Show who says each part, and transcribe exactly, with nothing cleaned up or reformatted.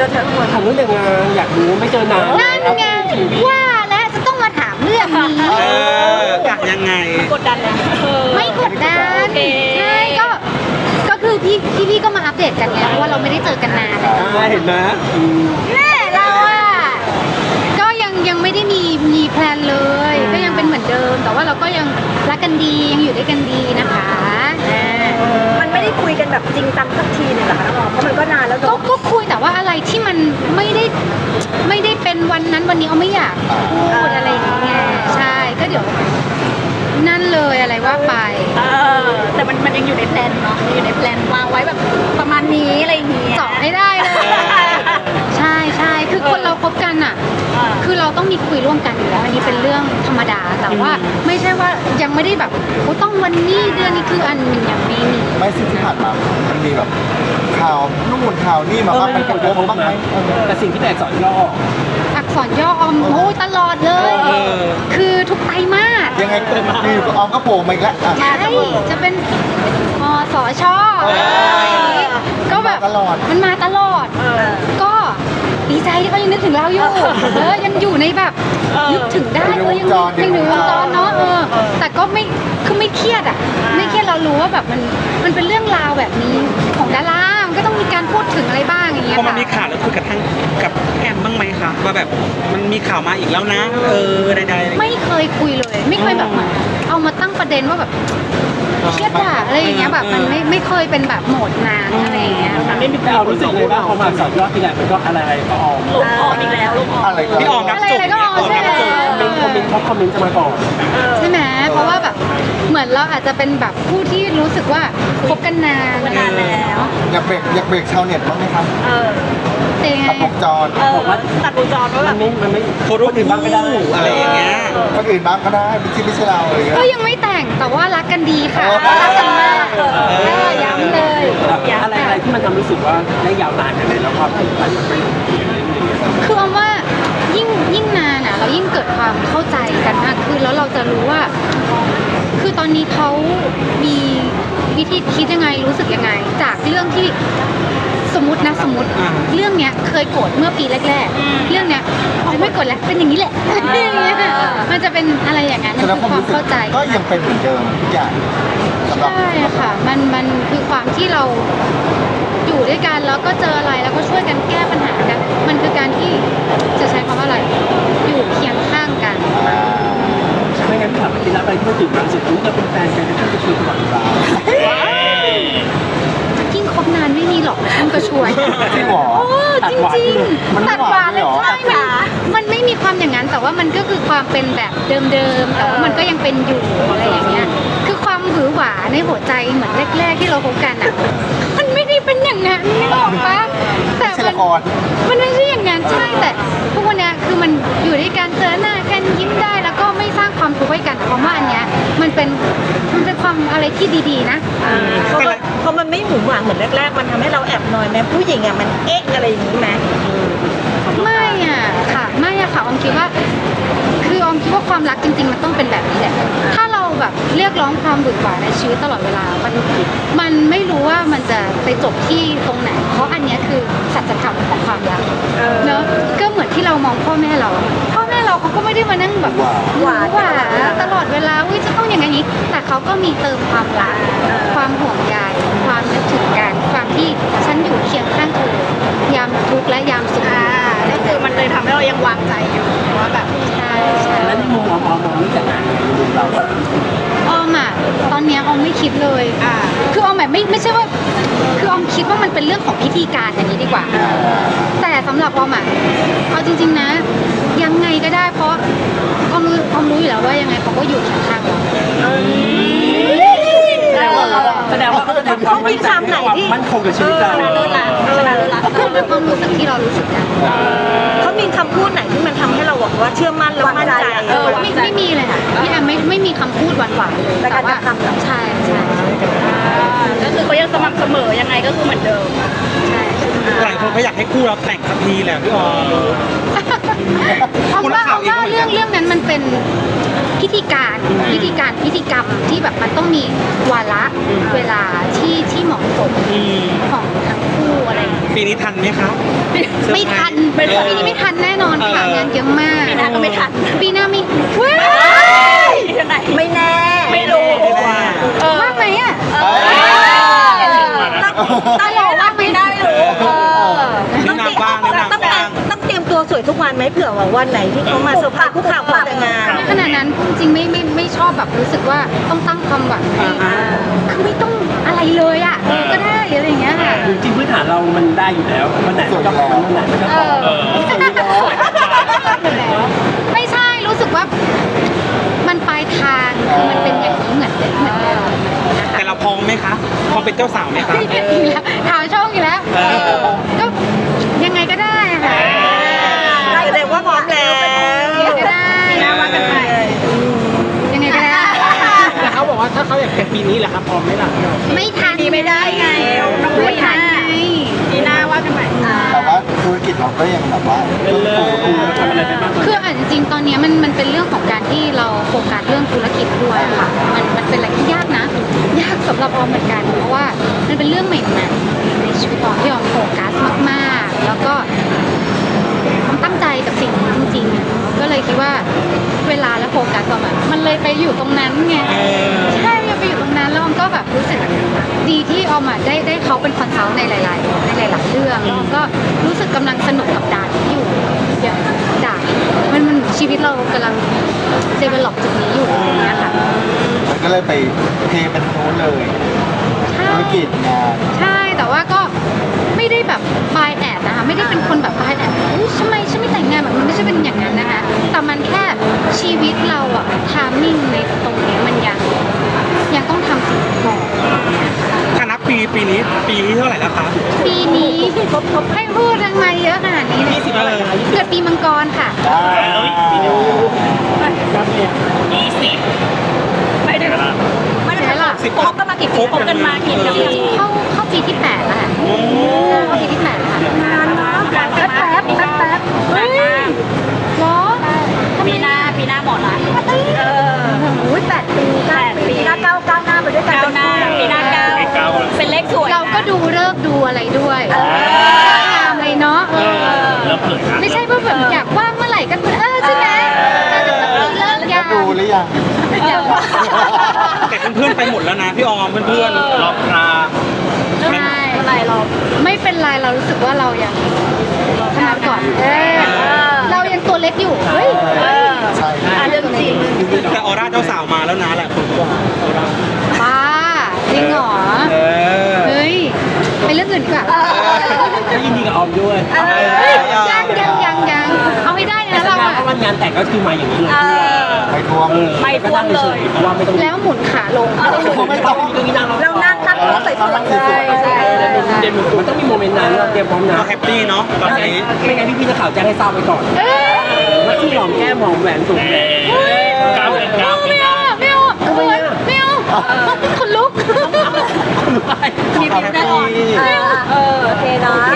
Speaker 1: อเธอคน
Speaker 2: ถามเรื่องแต่งงานอยากรู้ไม่เจอนาน
Speaker 3: นั่นไงว่าและจะต้องมาถามเรื่องนี้
Speaker 4: เออกะยังไง
Speaker 1: กดดันนะ
Speaker 3: ไม่กดดันใช่ก็ก็คือพี่พี่พี่ก็มาอัปเดตกันไงเพราะว่าเราไม่ได้เจอกันนาน
Speaker 2: อ่าเห็นไหมอืม
Speaker 3: แม่เราอ่ะก็ยังยังไม่ได้มีมีแพลนเลย ก็ยังเป็นเหมือนเดิม แต่ว่าเราก็ยังรักกันดียังอยู่ด้วยกันดีนะคะอ่า
Speaker 1: มันไม่ได้คุยกันแบบจริงจังสักทีหนึงเหรอคะน้องออมเพราะมันก็นานแล้ว
Speaker 3: ก็
Speaker 1: เนาะ
Speaker 3: ก็คุยแต่ว่าอะไรที่มันไม่ได้ไม่ได้เป็นวันนั้นวันนี้เอาไม่อยากพูดอะไรอย่างเงี้ยใช่ก็เดี๋ยวนั่นเลยอะไรว่าไป
Speaker 1: เออแต่มันมันยังอยู่ในแพลนเนาะอยู่ในแพลนวางไว้แบบประมาณนี้อะไรอย่างเงี้ย
Speaker 3: เจาะให้ได้เลย ใช่ใช่คือคนเราคบกันอ่ะ
Speaker 1: อ่า
Speaker 3: คือเราต้องมีคุยร่วมกันอยู่แล้วอันนี้เป็นเรื่องธรรมดาแต่ว่าไม่ใช่ว่ายังไม่ได้แบบโอ้ต้องวันนี้เดือนนี้คืออันมันยังไม่มี
Speaker 5: ไม่สิ่งที่ผ่านมา มันมีแบบข่าวนู่นข่าวนี่มาบ้างมันกระทบบ้างไหมเออ
Speaker 2: แต่สิ่งที่แตกสอนย่อ
Speaker 3: อักษรย่ออมโอ้ยตลอดเลย
Speaker 4: เออ
Speaker 3: คือทุกไตรมาส
Speaker 5: ยังไงก็มีอยู่ก็ออมก็โผล่มาอีกแล้วอ่ะ
Speaker 3: ใช่จะเป็นมสชอะไรอย่างงี้ก็แบบ
Speaker 5: ตลอด
Speaker 3: มันมาตลอด
Speaker 1: เออ
Speaker 3: ก็ดีใจที่เขายังนึกถึงเราอยู่เออยังอยู่ในแบบ
Speaker 1: เออ
Speaker 3: นึกถึงได้เออยังยังอยู่ในวงจรเนาะเออแต่ก็ไม่คือไม่เครียดอ่ะไม่เครียดเรารู้ว่าแบบมันมันเป็นเรื่องราวแบบนี้ของดารามันก็ต้องมีการพูดถึงอะไรบ้างอย่างเงี้ย
Speaker 4: พอมัน
Speaker 3: ค่ะ
Speaker 4: มีข่าวแล้วคุยกับทางกับแอมบ้างไหมคะว่าแบบมันมีข่าวมาอีกแล้วนะ เออใดๆ
Speaker 3: ไม่เคยคุยเลย ไม่เคยแบบเหมือนเอามาตั้งประเด็นว่าแบบเครียดว่ะอะไรอย่างเงี้ยแบบมันไม่ไม่เคยเป็นแบบโหมดนานอะไรอย่างเงี้ยค่ะ
Speaker 2: ไม่มีแต่เอารู้สึกเลยว่าพอมาอักษรย่อทีไรมันก็อะไรก็ออก
Speaker 1: ลงออกอีกแล้วลงออก
Speaker 5: อะไรก็
Speaker 4: พี่ออมนับ
Speaker 3: อะไร
Speaker 4: จุด
Speaker 3: อะไรก็ออกใช่ไหม
Speaker 2: คอมเมนต์คอมเมนต์เพราะคอมเมนต์จะมาก่อน
Speaker 1: เออ
Speaker 3: ใช่ไหมเพราะว่าแบบเหมือนเราอาจจะเป็นแบบผู้ที่รู้สึกว่าคบกันนาน
Speaker 1: มานานแล้ว
Speaker 5: อยากเบรกอยากเบรกชาวเน็ตบ้างไหมครับ
Speaker 1: เออ
Speaker 3: เป็นยังไง
Speaker 5: ตัดวงจร
Speaker 1: เออตัดวงจรว่าแบ
Speaker 2: มั
Speaker 1: บ
Speaker 2: นไม่มันไม่
Speaker 4: โพสต์รูป
Speaker 2: คนอื่นบ้างก็ได้
Speaker 4: อะไรอย่างเงี้ย
Speaker 5: คนอื่นบ้างก็ได้ไม่ใช่ไม่ใช่เราอะไรอย่างเงี้ย
Speaker 3: ก็ยังไม่แต่งแต่ว่ารักกันดีค่ะ
Speaker 5: เออ
Speaker 3: รักกันมากเออย้ำเลย
Speaker 2: อะไรอะไรที่มันทำรู้สึกว่าได้ยาวนานขนาดไหนแล้วความผูกพันมันเป็นอย่างนี้อย่างเงี้ย
Speaker 3: คือเอาว่ายิ่งยิ่งนานอ่ะเรายิ่งเกิดความเข้าใจกันมากขึ้นแล้วเราจะรู้ว่า คือตอนนี้เขามีวิธีคิดยังไงรู้สึกยังไง จากเรื่องที่สมมตินะสมมติ
Speaker 4: อ่า
Speaker 3: เรื่องเนี้ยเคยโกรธเมื่อปีแรกๆ เรื่องเนี้ยอ๋อไม่โกรธแล้วเป็นอย่างนี้แหละอะไรอย่างเงี้ยมันจะเป็นอะไรอย่างนั้น
Speaker 5: แส
Speaker 3: มัน
Speaker 5: ดง
Speaker 3: คือ
Speaker 5: ความ
Speaker 3: ความ
Speaker 5: รู้สึก
Speaker 3: เข้าใจ
Speaker 5: ก็ยังเป็นเหมือนเดิมทุกอย่างสำหรับ
Speaker 3: ใช่ค่ะ มัน มันคือความที่เราอยู่ด้วยกันแล้วก็เจออะไรแล้วก็ช่วยกันแก้ปัญหากัน มันคือการที่จะใช้คำว่าอะไร อยู่เคียงข้างกัน
Speaker 2: ไม่งั้นถามทีละอะไรที่มันถึงมันเสร็จปุ๊บเราเป็นแฟนกันจะต้องไปคุยตลอดเวลา
Speaker 3: ยิ่งคบนานไม่มีหรอกต้องกระชวย
Speaker 5: จริงเหรอ
Speaker 3: โอ้จริงจริงๆ
Speaker 5: มันไม่
Speaker 3: ตัดหวานเลย
Speaker 5: หวานเลยเหรอ
Speaker 3: ใช่มันมันไม่มีความอย่างนั้น แต่ว่ามันก็คือความเป็นแบบเดิมๆ แต่ว่ามันก็ยังเป็นอยู่อะไรอย่างเงี้ย คือความหวือหวาในหัวใจเหมือนแรกๆที่เราคบกันอ่ะ มันไม่ได้เป็นอย่างนั้นนึกออกปะแต่
Speaker 5: ไม่ใช่
Speaker 3: มัน
Speaker 5: ละคร
Speaker 3: มันไม่ใช่อย่างนั้นใช่แต่ทุกวันเนี้ยคือมันอยู่ด้วยกันเจอหน้ากันยิ้มได้แล้วก็ไม่สร้างความทุกข์ให้กันเพราะว่าอันเนี้ยมันเป็นมันเป็นความอะไรที่ดีๆนะ
Speaker 1: เพราะมันเพราะมันไม่หมุนหวานเหมือนแรกๆ มันทำให้เราแอบนอยแม้ผู้หญิงอ่ะมันเอ๊ะอะไรอย่างนี้ไหม
Speaker 3: ไม่อ่ะค่ะไม่อ่ะค่ะออมคิดว่า คือออมคิดว่าความรักจริง ๆ มันต้องเป็นแบบนี้แหละถ้าเราแบบเรียกร้องความหวือหวาในชีวิตตลอดเวลา มันมันไม่รู้ว่ามันจะไปจบที่ตรงไหน เพราะอันเนี้ยคือสัจธรรมของความรัก
Speaker 1: เออ
Speaker 3: เนอะก็เหมือนที่เรามองพ่อแม่เรา พ่อแม่เราเขาก็ไม่ได้มานั่งแบบ
Speaker 5: หวาน
Speaker 3: หวานหวานตลอดเวลาอุ้ยจะต้องอย่างนี้ แต่เขาก็มีเติมความรัก ความห่วงใยความนึกถึงกัน ความที่ฉันอยู่เคียงข้างเธอยามทุกข์และยามสุข
Speaker 1: ก็คือมันเลยทำให้เรายังวางใจอยู่ว่าแบบ
Speaker 3: ใช่ใช่
Speaker 2: แล้วในมุมมองมองมองเรื่องแต่งงานในมุมเราอะ
Speaker 3: ออมอ่ะตอนเนี้ยออมไม่คิดเลย
Speaker 1: อ่า
Speaker 3: คือออมแบบไม่ไม่ใช่ว่า คือออมคิดว่ามันเป็นเรื่องของพิธีการอย่างนี้ดีกว่า แต่สำหรับออมอ่ะเอาจริง ๆนะ ยังไงก็ได้เพราะออมรู้ออมรู้อยู่แล้วว่ายังไงเขาก็อยู่เคียงข้างเรา
Speaker 2: แสดงว่าแสดงว่าเขาจะทำความมั่นใจให้ความมั่นคงกับชีวิตเรา
Speaker 1: ชนะเลิศละชนะเลิศละ
Speaker 3: ก็เป็นความรู้สึกที่เรารู้สึกกัน
Speaker 1: เขามีคำพูดไหนที่มันทำให้เราบอกว่าเชื่อมั่นและมั่นใจเออ
Speaker 3: ไม่ไม่มีเลยค่ะพี่แอมไม่ไม่มีคำพูดหวานๆเลย
Speaker 1: แต่การ
Speaker 3: ว่าก
Speaker 1: ระทำเหรอ
Speaker 3: ใช่ใช่ใช่
Speaker 1: ก็คือเขายังสม่ำเสมอยังไงก็คือเหมือนเดิม
Speaker 3: ใช่
Speaker 4: หลายคนก็อยากให้คู่เราแต่งสักทีแหละพี่ออม
Speaker 3: เอา
Speaker 4: คุณนั
Speaker 3: ว่าก
Speaker 4: ข่า
Speaker 3: เอา
Speaker 4: วเองก็เหมือนกัน
Speaker 3: ว่าเรื่องเรื่องนั้นมันเป็นพิธีการพิธีการพิธีกรรมที่แบบมันต้องมีวาระเวลาที่ที่เหมาะสม
Speaker 4: อืม
Speaker 3: ของทั้งคู่อะไรอย่างเงี้ย
Speaker 4: ปีนี้ทันไหมคะ
Speaker 3: ไม่ทัน
Speaker 4: เออ
Speaker 3: ปีนี้ไม่ทันแน่นอนค่ะ
Speaker 4: เออ
Speaker 3: งานเยอะมาก
Speaker 1: ปีหน้าก็ไม่ทัน
Speaker 3: ปีหน้ามีว้า
Speaker 1: ไม่แน่ ไม่รู้
Speaker 3: ว่างไหมอ่ะ
Speaker 1: ต้องต้องรอว่าไม่ได้รู้
Speaker 4: นี่นางบ้างนี่นาง
Speaker 1: ต้อง
Speaker 4: บ้าง
Speaker 1: ต้องเตรียมตัวสวยทุกวันไหมเผื่อว่าวันไหนที่เขามาเซอร์ไพรส์ผู้ข่าวขอแต่งงาน
Speaker 3: ขนาดนั้นจริงๆไม่ไม่ไม่ชอบแบบรู้สึกว่าต้องตั้งความหวังให้
Speaker 4: อ่า
Speaker 3: คือไม่ต้องอะไรเลยอ่ะเออก็ได้อะไรอย่างเงี้ยค่ะ
Speaker 2: จริงๆพื้นฐานเรามันได้อยู่แล้ววันไหนมันก็วันไหนมันก็
Speaker 3: เอ
Speaker 2: พอ
Speaker 3: อไม่ใช่รู้สึกว่ามันปลายทางคือมันเป็นอย่างนี้เหมือนเดิมเหมือนเดิมนะคะ
Speaker 4: แต่เราพร้อมไหมคะพร้อมเป็นเจ้าสาวไหมคะ
Speaker 3: อีกแล้วถามช่องอีกแล้ว
Speaker 4: เออ
Speaker 3: ก็ยังไงก็ได้อะค่ะ
Speaker 1: แสดงว่าพร้อมแล้ว
Speaker 3: ยังไงก็ได้
Speaker 1: นะว่ากันไป
Speaker 3: ยังไงก็ได้
Speaker 2: แต่เขาบอกว่าถ้าเขาอยากแต่งปีนี้แหละครับพร้อมไหมล่ะ
Speaker 3: ไม่ทัน
Speaker 1: ไม่ได้ไง
Speaker 3: ไม่ทันไง
Speaker 1: ปีหน้าว่ากันใหม่
Speaker 5: แต่ว่าธุรกิจเราก็ยังแบบว่า
Speaker 2: เป็นเลยทำอะไรไปบ้าง
Speaker 3: คืออ่ะจริงๆตอนนี้มันมันเป็นเรื่องของการที่เราโฟกัสเรื่องธุรกิจด้วยอะค่ะ มันมันเป็นอะไรที่ยากนะ ยากสำหรับออมเหมือนกัน เพราะว่ามันเป็นเรื่องใหม่ๆในชีวิตออมที่ออมโฟกัสมากๆ แล้วก็ออมตั้งใจกับสิ่งนี้จริงๆอะก็เลยคิดว่าเวลาและโฟกัสออมอะมันเลยไปอยู่ตรงนั้นไง ใช่มันไปอยู่ตรงนั้นแล้วออมก็แบบรู้สึกดีที่ออมอะได้ได้เขาเป็นคอนซัลท์ในหลายๆในหลายๆเรื่องแล้วออมก็รู้สึกกำลังสนุกกับด่านที่อยู่อย่างด่านมันมันชีวิตเรากำลังเดเวล็อปจุดนี้อยู่อย่างเงี้ยค่ะ
Speaker 5: มันก็เลยไปเทเป็นโน้นเลย
Speaker 3: ใช่
Speaker 5: ธุรกิจงาน
Speaker 3: ใช่แต่ว่าก็ไม่ได้แบบบายแอดนะคะไม่ได้เป็นคนแบบบายแอดทำไมฉันไม่แต่งงานแบบมันไม่ใช่เป็นอย่างนั้นนะคะแต่มันแค่ชีวิตเราอะทามมิ่งในตรงนี้มันยังยังต้องทำสิ่งก่อน
Speaker 4: ถ้านับปีปีนี้ปีที่เท่าไหร่แล้วคะ
Speaker 3: ปีนี้ให้พูดทำไมเยอะขนาดนี้เนี่ย
Speaker 4: ยี่สิบอะไรคะ
Speaker 3: เกิดปีมังกรค่ะ
Speaker 2: ยี่สิบ
Speaker 1: ไม่ได้ไม่ได้
Speaker 3: ใช่ล่ะ
Speaker 1: คบกันมากี่ปีคบกันมากี่ปี
Speaker 3: เข้าเข้าปีที่แปดแล้วค่ะเข้าปีที่แปดแล้วค่ะ
Speaker 1: นานนะแป๊บแป๊บแป๊บแป๊บเฮ้ย
Speaker 3: เหรอ
Speaker 1: ปีหน้าปีหน้าหมดละเออโอ้ยแปดปีแปดปีหน้าเก้าเก้าหน้าไปด้วยกันเก้าหน้าปีหน้าเก้าเป็นเลขสวย
Speaker 3: เราก็ดูเลิกษ์ดูอะไรด้วยงามเลยเนาะเออไม่ใช่ว่าแบบอยากว่างเมื่อไหร่ก็เออใช่ไหมแต่จะต้องมีเลิกษ์ยาม
Speaker 5: ดูหรือยัง
Speaker 4: แต่เพื่อนๆไปหมดแล้วนะพี่ออมเพื่อนๆรอบรา
Speaker 3: ใช่อะไรเราไม่เป็นไรเรารู้สึกว่าเรายังทำงานก่อนเออเรายังตัวเล็กอยู่เฮ้ย
Speaker 5: ใช่
Speaker 1: เรื่องจริง
Speaker 4: แต่ออร่าเจ้าสาวมาแล้วนะแหละคนบอกออร่า
Speaker 3: ป้าจริงเหรอ
Speaker 4: เออ
Speaker 3: เฮ้ยไปเรื่องอื่นดีกว่า
Speaker 2: ก็ยินดีกับออมด้วย
Speaker 3: เฮ้ยยังยังยังยังเอาให้ได้
Speaker 2: แต่
Speaker 3: นะ
Speaker 2: แส
Speaker 3: เรา
Speaker 2: ดง
Speaker 3: อะ
Speaker 2: ว่าวันงานแต่งก็คือมาอย่างนี้เลย
Speaker 5: ไปทวง
Speaker 1: ไม่ทวงเลย
Speaker 2: เพราะว่าไม่ต้อง
Speaker 3: แล้วหมุนขาลง
Speaker 2: ไม่ต้องตรงนี้นั่ง
Speaker 1: เรานั่งนั่งรถใส่
Speaker 5: เรานั่งสวยๆ
Speaker 3: ใช่ใช่ใช่
Speaker 2: เดี๋ยวมันต้องมีโมเมนต์นั้นเราเตรียมพร้อมนะ
Speaker 4: เราแฮปปี้เนาะตอนนี้
Speaker 2: ไม่งั้นพี่พี่ๆนักข่าวแจ้งให้ทราบไว้ก่อน
Speaker 3: เอ้ย
Speaker 2: ว่าที่หอมแก้มหอมแหวนสูงแหวน
Speaker 3: ไม่เอาไม่เอาไม่เอาไม่เอาคนลุก
Speaker 2: คุณรู้ไหม
Speaker 1: มีพิวแน่นอนเออโอเคเนาะ